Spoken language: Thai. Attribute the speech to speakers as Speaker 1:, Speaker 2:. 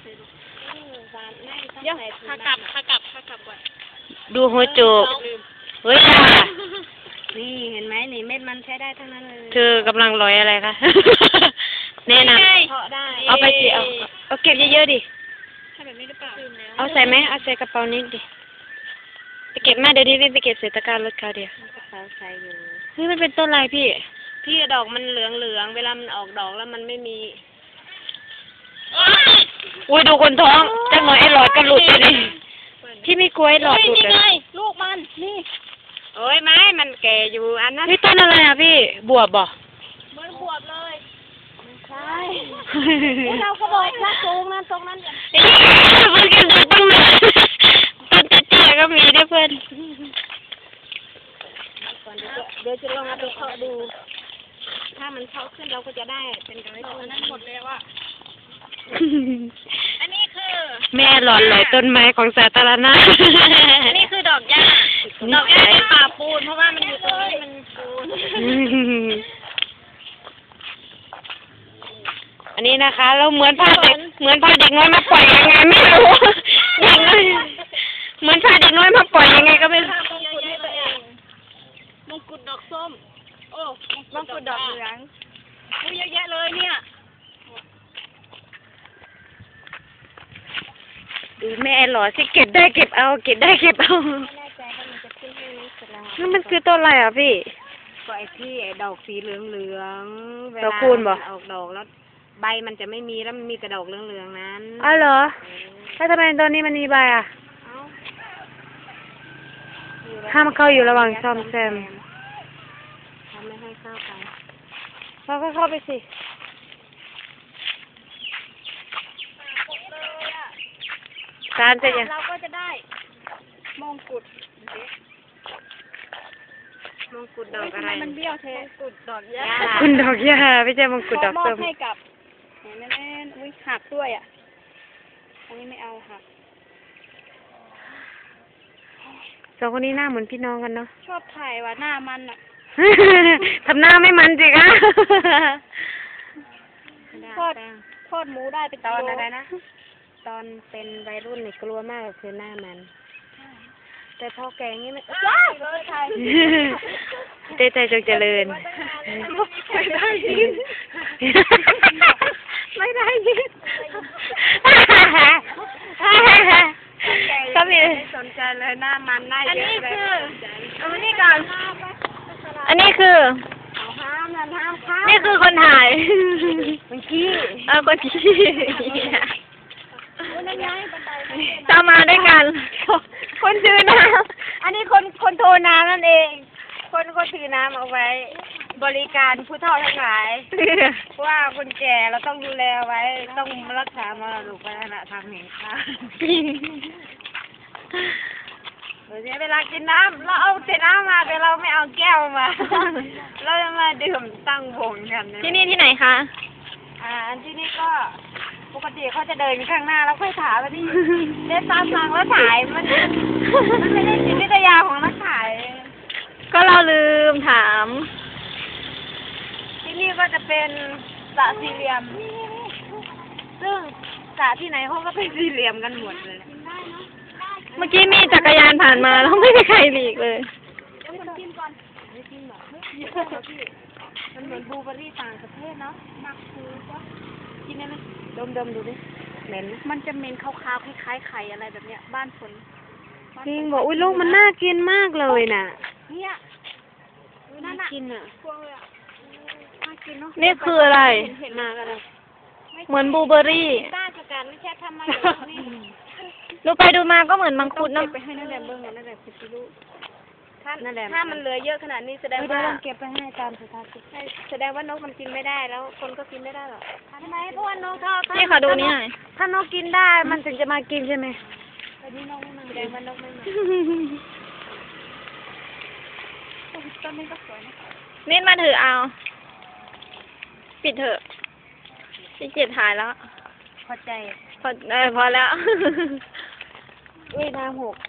Speaker 1: เดี๋ยวขากลับก่อน
Speaker 2: ดูหัวโจกเฮ้ยค่ะ
Speaker 1: นี่เห็นไหมนี่เม็ดมันใช้ได้ทั้งนั้นเลย
Speaker 2: เธอกำลังลอยอะไรคะ แนะนำเอาไปสิเอาเก็บเยอะๆดิเอาใส่ไหมเอาใส่กระเป๋านิดดิไปเก็บมาเดี๋ยวนี้ไปเก็บเศษตะกร้ารถเขาเดียว
Speaker 1: กระเป๋าใส่อยู่
Speaker 2: เฮ้ยมันเป็นต้นอะไรพี่
Speaker 1: ดอกมันเหลืองเวลามันออกดอกแล้วมันไม่มี
Speaker 2: อุ้ยดูคนท้องจังหน่อยไอ้หลอดก็หลุดไปเลยพี่ไม่กลัวไอ้หลอดหลุดเลย
Speaker 1: ลูกมันนี่โอ้ยไม้มันแก่อยู่อันนั้น
Speaker 2: นี่ต้นอะไรอ่ะพี่บวบบ่
Speaker 1: เหมือนบวบเลยใช่เราก็บอกว่าตรงนั้น
Speaker 2: มันก็ดูต้นเตี้ยก็มีด้วยเพื่อน
Speaker 1: เดี๋ยวจะลองเอาไปเคาะดูถ้ามันเคาะขึ้นเราก็จะได้เป็นกระไรอันนั้นหมดเลยว่าอันนี้คือ
Speaker 2: แม่หลอนลอยต้นไม้ของสาธารณะ
Speaker 1: อันนี้คือดอกหญ้าในป่าปูนเพราะว่ามันอยู่ตรงนี้มันปูน
Speaker 2: อันนี้นะคะเราเหมือนพาเด็กน้อยมาปล่อยยังไงไม่รู้เด็กน้อยเหมือนพาเด็กน้อยมาปล่อยยังไงก็ไม่รู้
Speaker 1: มงกุฎดอกส้มโอ้มงกุฎดอกเหลืองเยอะแยะเลยเนี่ย
Speaker 2: ดูแม่หล่อสิเก็บได้เก็บเอานั่นมันคือต้นอะไรอ่ะพี่
Speaker 1: ก็ไอ้ที่ไอ้ดอกสีเหลืองเวลา
Speaker 2: คูณบ่
Speaker 1: ออกดอกแล้วใบมันจะไม่มีแล้วมันมีแต่ดอกเหลืองนั้น
Speaker 2: อ๋อเหรอแล้วทำไมตอนนี้มันมีใบอ่ะห้ามเข้าอยู่ระหว่างซ่อมแซม
Speaker 1: ทำไม่ให้เข้าไป
Speaker 2: เราก็เข้าไปสิการจะยัง
Speaker 1: เราก็จะได้มงกุฎดอกอะไรมันเบี้ยวเทมงกุฎดอกหญ้า
Speaker 2: คุณดอกหญ้าไม่ใช่มงกุฎดอกส้ม
Speaker 1: ให้กับแม่อุ้ยหักด้วยอ่ะอันนี้ไม่เอาหัก
Speaker 2: สองคนนี้หน้าเหมือนพี่น้องกันเนาะ
Speaker 1: ชอบถ่ายว่าหน้ามันอ่ะ
Speaker 2: ทำหน้าไม่มันจริงอ่ะ
Speaker 1: ทอดหมูได้เป็นตอนอะไรนะ
Speaker 2: ตอนเป็นวัยรุ่นเนี่ยกลัวมากคือหน้ามันแต่พอแกงนี่มันเต้ใจจงเจริญ
Speaker 1: ไม่ได้ยิน
Speaker 2: ก็มี
Speaker 1: สนใจเลยหน้ามันหน้าเยอะเลยอันนี้ก่อน
Speaker 2: อันนี้คือนี่คือคนถ่าย
Speaker 1: คนขี้
Speaker 2: คนขี้ตามมาด้วยกันคนถือน้ำ
Speaker 1: อันนี้คนโทรน้ำนั่นเองคนถือน้ำเอาไว้บริการผู้เฒ่าทั้งหลายว่าคนแก่เราต้องดูแลไว้ต้องรักษามรดกวัฒนธรรมแห่งชาติเวลากินน้ำเราเอาแต่น้ำมาแต่เราไม่เอาแก้วมาเราจะมาดื่มตั้งวงกัน
Speaker 2: ที่นี่ที่ไหนคะ
Speaker 1: ที่นี่ก็ปกติเขาจะเดินข้างหน้าแล้วค่อยถ่ายมาที่เดินตามทางแล้วถ่ายมันไม่ได้จิตวิทยาของนักถ่าย
Speaker 2: ก็เราลืมถาม
Speaker 1: ที่นี่ก็จะเป็นสระสี่เหลี่ยมซึ่งสระที่ไหนเขาก็เป็นสี่เหลี่ยมกันหมดเลย
Speaker 2: เมื่อกี้มีจักรยานผ่านมาแล้วไม่มีใครหลีกเลย
Speaker 1: มันเหมือนบลูเบอร์รี่ต่างประเทศเนาะมักคือว่ากินได้ไหมดมดูดิเหม็นมันจะเหม็นขาวๆคล้ายๆไข่อะไรแบบเนี้ยบ้านฝน
Speaker 2: จริงบอกอุ้ยลูกมันน่ากินมากเลยน่ะ
Speaker 1: เนี่ย
Speaker 2: น่ากินอ่ะ
Speaker 1: น่ากินเนาะ
Speaker 2: นี่คืออะไรมาอะไรเหมือนบลูเบอร์รี่
Speaker 1: ต้าสกัดไม่ใช่ทำมานี่
Speaker 2: ดูไปดูมาก็เหมือนมังคุดเนาะ
Speaker 1: ไปให้นั่นแหละเบิ้งนั่นแหละสิลูกถ้ามันเหลือเยอะขนาดนี้แสดงว่า
Speaker 2: เก็บไปให้ตามสถานที่
Speaker 1: แสดงว่านกมันกินไม่ได้แล้วคนก็กินไม่ได้หรอกทำไมเพราะว่านกชอบ
Speaker 2: นี่ขอดูนี่หน่อยถ้านกกินได้มันถึงจะมากินใช่ไหม
Speaker 1: แต่นี่นกไม่มาแสดงว่านกไม่มาต้นนี้ก็สวยนะ
Speaker 2: นี่มาถือเอาปิดเถอะพี่เกียรถ่ายแล้ว
Speaker 1: พอใจ
Speaker 2: พอแล้ว
Speaker 1: อุ้ยน้ำหก